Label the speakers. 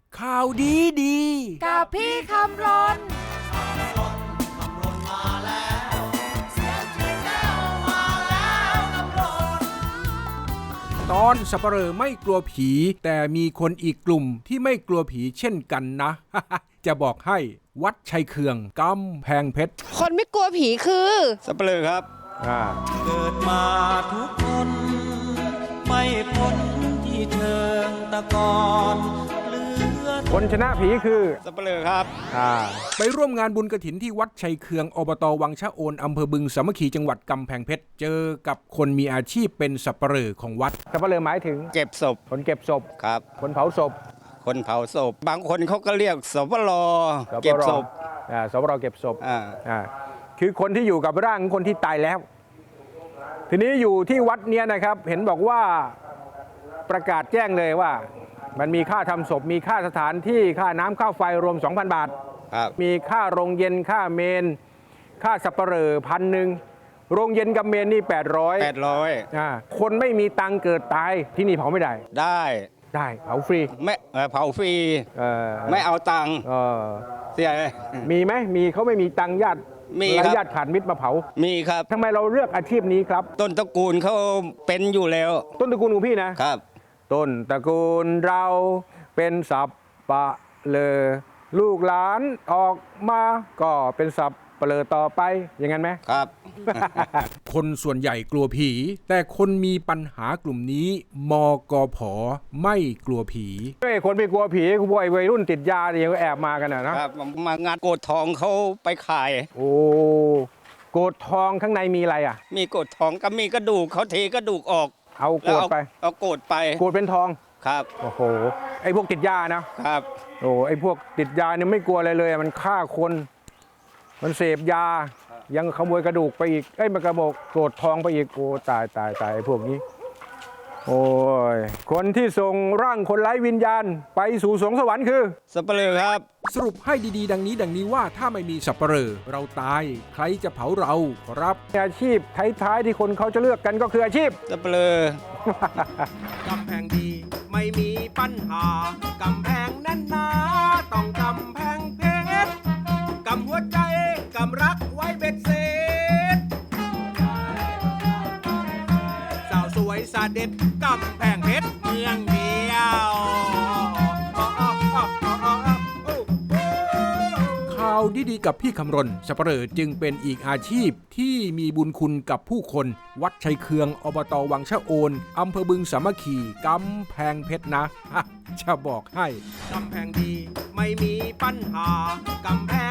Speaker 1: ข่าวดีดี
Speaker 2: กับพี่คำรน
Speaker 1: ตอนสัปเหร่อไม่กลัวผีแต่มีคนอีกกลุ่มที่ไม่กลัวผีเช่นกันนะ จะบอกให้วัดชัยเคืองกำแพงเพชร
Speaker 2: คนไม่กลัวผีคือ
Speaker 3: สัปเหร่อครับ
Speaker 4: เกิดมาทุกคนไม่พ้นที่เชิงตะกอน
Speaker 5: คนชนะผีคือ
Speaker 3: สัปเหร่อครับ
Speaker 1: ไปร่วมงานบุญกฐินที่วัดชัยเคืองอบต.วังชะโอนอำเภอบึงสามัคคีจังหวัดกำแพงเพชรเจอกับคนมีอาชีพเป็นสัปเหร่อของวัด
Speaker 5: สัปเหร่อหมายถึง
Speaker 3: เก็บศพ
Speaker 5: คนเก็บศพ
Speaker 3: ครับ
Speaker 5: คนเผาศพ
Speaker 3: คนเผาศพบางคนเขาก็เรียกสปรเก็บศพ
Speaker 5: สปรเก็บศพคือคนที่อยู่กับร่างคนที่ตายแล้วทีนี้อยู่ที่วัดเนี้ยนะครับเห็นบอกว่าประกาศแจ้งเลยว่ามันมีค่าทำศพมีค่าสถานที่ค่าน้ำค่าไฟรวม 2,000 บาทมีค่าโรงเย็นค่าเมนค่าสัปเหร่อ1,000โรงเย็นกับเมนนี่800คนไม่มีตังเกิดตายที่นี่เผาไม่ได้ได้เผาฟรี
Speaker 3: ไม่เผาฟรีไม่เอาตังค์เสีย
Speaker 5: มีไหมมีเขาไม่มีตังญาติ
Speaker 3: มีครับ
Speaker 5: ญาติขาดมิตรมาเผา
Speaker 3: มีครับ
Speaker 5: ทำไมเราเลือกอาชีพนี้ครับ
Speaker 3: ต้นตระกูลเขาเป็นอยู่แล้ว
Speaker 5: ต้นตระกูลของพี่นะครับต้นตระกูลเราเป็นสัปเหร่อลูกหลานออกมาก็เป็นสัปเหร่อต่อไปอย่างนั้นไหม
Speaker 3: ครับ
Speaker 1: คนส่วนใหญ่กลัวผีแต่คนมีปัญหากลุ่มนี้มกผ.ไม่กลัวผี
Speaker 5: คนไม่กลัวผีพวกวัยรุ่นติดยาเนี่ยก็แอบมากันนะครับ
Speaker 3: มางานโกดทองเขาไปขาย
Speaker 5: โอ้โกดทองข้างในมีอะไรอ่ะ
Speaker 3: มีโกดทองก็มีกระดูกเขาเทกระดูกออก
Speaker 5: เอาโกดไป
Speaker 3: เอาโกดไป
Speaker 5: โกดเป็นทอง
Speaker 3: ครับ
Speaker 5: โอ้โหไอ้พวกติดยานะครับโอ้ไอ้พวกติดยาเนี่ยไม่กลัวอะไรเลยมันฆ่าคนมันเสพยายังขโมยกระดูกไปอีกมันกระโมกโกรธทองไปอีกโอ้ตายไอ้พวกนี้โอ้ยคนที่ส่งร่างคนไร้วิญญาณไปสู่สวงสวรรค์คือ
Speaker 3: สัปเหร่อครับ
Speaker 1: สรุปให้ดีๆดังนี้ว่าถ้าไม่มีสัปเหร่อเราตายใครจะเผาเราครับ
Speaker 5: อาชีพท้ายๆที่คนเขาจะเลือกกันก็คืออาชีพ
Speaker 3: สัปเหร่
Speaker 1: อกำแพงดีไม่มีปัญหากำแพงแน่นหนาต้องกำแพงเพชรกำหัวใจกำรักไว้เบ็ดเสร็จสาวสวยสาเด็ดกำแพงเพชรเมืองเดียวข่าวดีๆกับพี่คำรณสัปเหร่อจึงเป็นอีกอาชีพที่มีบุญคุณกับผู้คนวัดชัยเคืองอบต.วังชะโอนอำเภอบึงสามัคคีกำแพงเพชรนะจะบอกให้กำแพงดีไม่มีปัญหากำแพง